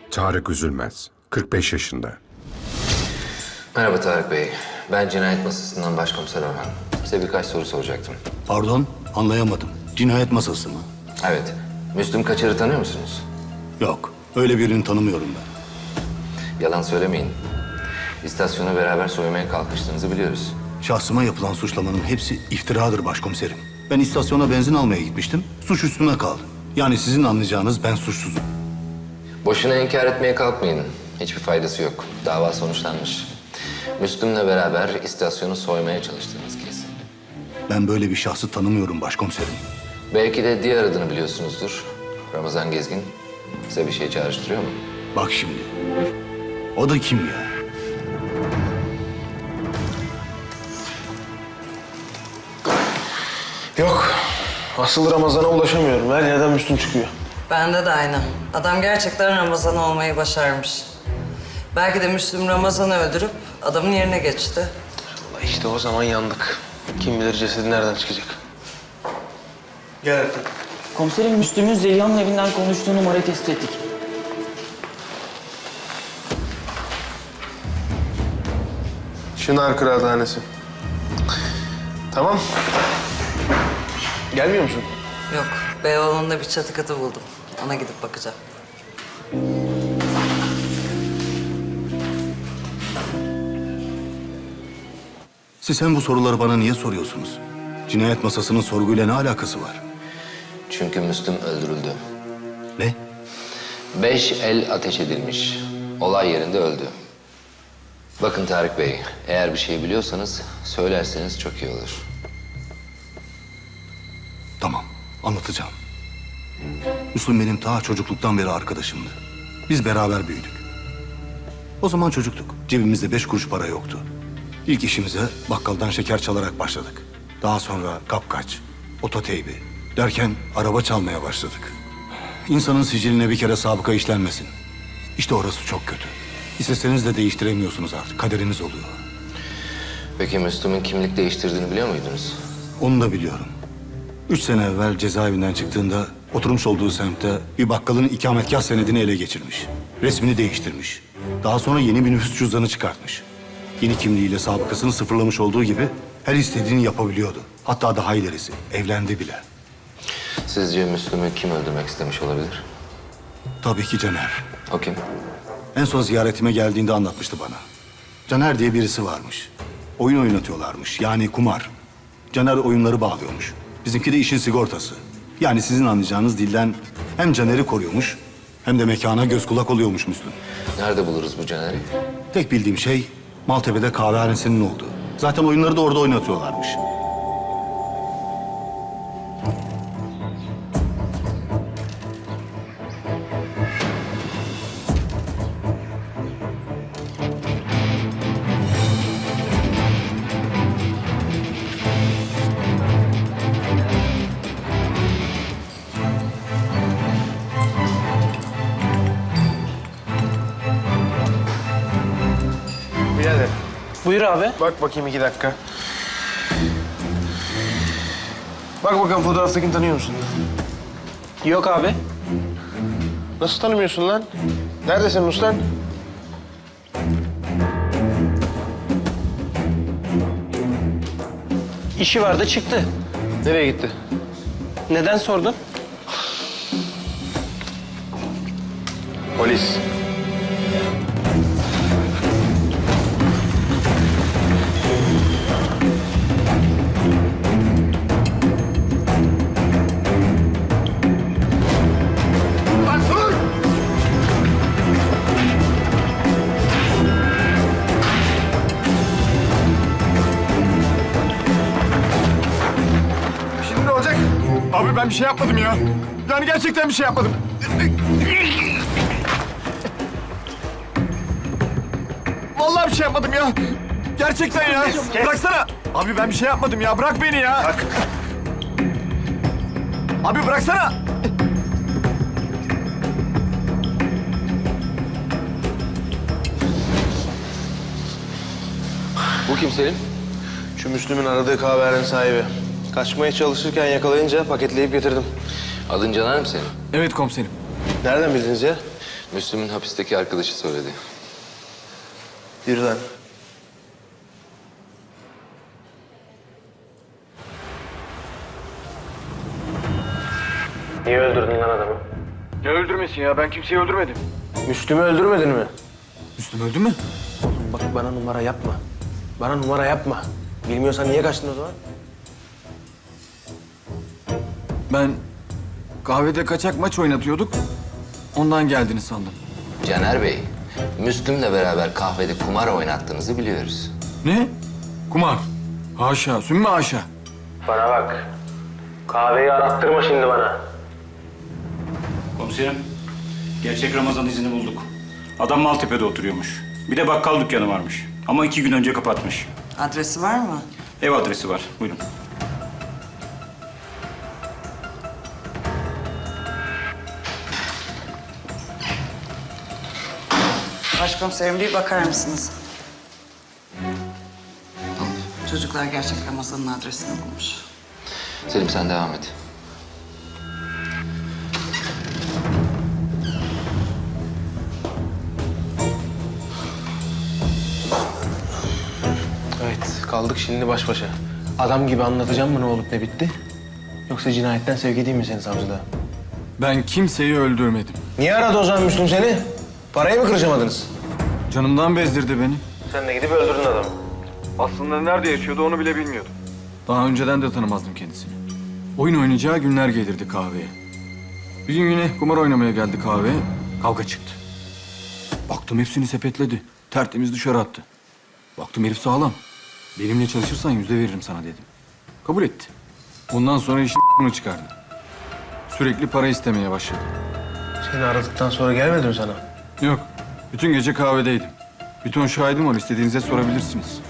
Tarık Üzülmez, 45 yaşında. Merhaba Tarık Bey. Ben cinayet masasından başkomiser Orhan. Size birkaç soru soracaktım. Pardon, anlayamadım. Cinayet masası mı? Evet. Müslüm Kaçar'ı tanıyor musunuz? Yok, öyle birini tanımıyorum ben. Yalan söylemeyin. İstasyonu beraber soymaya kalkıştığınızı biliyoruz. Şahsıma yapılan suçlamanın hepsi iftiradır başkomiserim. Ben istasyona benzin almaya gitmiştim, suç üstüme kaldı. Yani sizin anlayacağınız ben suçsuzum. Boşuna inkar etmeye kalkmayın. Hiçbir faydası yok. Dava sonuçlanmış. Müslüm'le beraber istasyonu soymaya çalıştığınız kesin. Ben böyle bir şahsı tanımıyorum başkomiserim. Belki de diğer adını biliyorsunuzdur. Ramazan Gezgin. Size bir şey çağrıştırıyor mu? Bak şimdi, o da kim ya? Yok. Asıl Ramazan'a ulaşamıyorum. Her yerden Müslüm çıkıyor. Bende de aynı. Adam gerçekten Ramazan olmayı başarmış. Belki de Müslüm Ramazan'ı öldürüp adamın yerine geçti. Vallahi işte o zaman yandık. Kim bilir cesedi nereden çıkacak. Gel Ertan. Komiserim Müslüm'ün Zeliha'nın evinden konuştuğu numarayı tespit ettik. Çınar Kıraathanesi. Tamam. Gelmiyor musun? Yok, Beyoğlu'nda bir çatı katı buldum. Ona gidip bakacağım. Siz hem bu soruları bana niye soruyorsunuz? Cinayet masasının sorguyla ne alakası var? Çünkü Müslüm öldürüldü. Ne? 5 el ateş edilmiş. Olay yerinde öldü. Bakın Tarık Bey, eğer bir şey biliyorsanız söylerseniz çok iyi olur. Tamam, anlatacağım. Müslüm benim ta çocukluktan beri arkadaşımdı. Biz beraber büyüdük. O zaman çocuktuk. Cebimizde 5 kuruş para yoktu. İlk işimize bakkaldan şeker çalarak başladık. Daha sonra kapkaç, ototeybi derken araba çalmaya başladık. İnsanın siciline bir kere sabıka işlenmesin. İşte orası çok kötü. İsteseniz de değiştiremiyorsunuz artık. Kaderiniz oluyor. Peki Müslüm'ün kimlik değiştirdiğini biliyor muydunuz? Onu da biliyorum. 3 sene evvel cezaevinden çıktığında oturmuş olduğu semtte bir bakkalın ikametgah senedini ele geçirmiş. Resmini değiştirmiş. Daha sonra yeni bir nüfus cüzdanı çıkartmış. Yeni kimliğiyle sabıkasını sıfırlamış olduğu gibi her istediğini yapabiliyordu. Hatta daha ilerisi, evlendi bile. Sizce Müslüm'ü kim öldürmek istemiş olabilir? Tabii ki Caner. O kim? En son ziyaretime geldiğinde anlatmıştı bana. Caner diye birisi varmış. Oyun oynatıyorlarmış, yani kumar. Caner oyunları bağlıyormuş. Bizimki de işin sigortası. Yani sizin anlayacağınız dilden hem Caner'i koruyormuş hem de mekana göz kulak oluyormuş Müslüm. Nerede buluruz bu Caner'i? Tek bildiğim şey Maltepe'de kahvehanesinin olduğu. Zaten oyunları da orada oynatıyorlarmış. Birader. Buyur abi. Bak bakayım 2 dakika. Bak bakalım fotoğraftakini tanıyor musun? Yok abi. Nasıl tanımıyorsun lan? Nerede senin ustan? İşi vardı çıktı. Nereye gitti? Neden sordun? Polis. Şimdi ne olacak? Abi ben bir şey yapmadım ya. Yani gerçekten bir şey yapmadım. Vallahi bir şey yapmadım ya. Gerçekten ya. Bıraksana. Abi ben bir şey yapmadım ya. Bırak beni ya. Bırak. Abi bıraksana. Bu kim Selim? Şu Müslüm'ün aradığı kahvehane sahibi. Kaçmaya çalışırken yakalayınca paketleyip getirdim. Adın Caner mi senin? Evet komiserim. Nereden bildiniz ya? Müslüm'ün hapisteki arkadaşı söyledi. Birden. Niye öldürdün lan adamı? Ne öldürmesin ya? Ben kimseyi öldürmedim. Müslüm'ü öldürmedin mi? Müslüm öldü mü? Oğlum bak bana numara yapma. Bana numara yapma. Bilmiyorsan niye kaçtın o zaman? Ben kahvede kaçak maç oynatıyorduk. Ondan geldiğini sandım. Caner Bey, Müslüm'le beraber kahvede kumar oynattığınızı biliyoruz. Ne? Kumar. Haşa, sümme haşa. Bana bak. Kahveyi arattırma şimdi bana. Komiserim, gerçek Ramazan izini bulduk. Adam Maltepe'de oturuyormuş. Bir de bakkal dükkanı varmış. Ama 2 gün önce kapatmış. Adresi var mı? Ev adresi var. Buyurun. Başkomiserim bir bakar mısınız? Çocuklar gerçek Ramazan'ın adresini bulmuş. Selim sen devam et. Evet, kaldık şimdi baş başa. Adam gibi anlatacağım mı ne olup ne bitti? Yoksa cinayetten sevk edeyim mi seni savcılığa? Ben kimseyi öldürmedim. Niye aradı o zaman Müslüm seni? Parayı mı kırışamadınız? Canımdan bezdirdi beni. Sen de gidip öldürdün adamı. Aslında nerede yaşıyordu onu bile bilmiyordum. Daha önceden de tanımazdım kendisini. Oyun oynayacağı günler gelirdi kahveye. Bir gün yine kumar oynamaya geldi kahveye. Kavga çıktı. Baktım hepsini sepetledi. Tertemiz dışarı attı. Baktım herif sağlam. Benimle çalışırsan %100 veririm sana dedim. Kabul etti. Ondan sonra işin bunu çıkardı. Sürekli para istemeye başladı. Seni aradıktan sonra gelmedi mi sana? Yok. Bütün gece kahvedeydim. Bir ton şahidim var. İstediğinize sorabilirsiniz.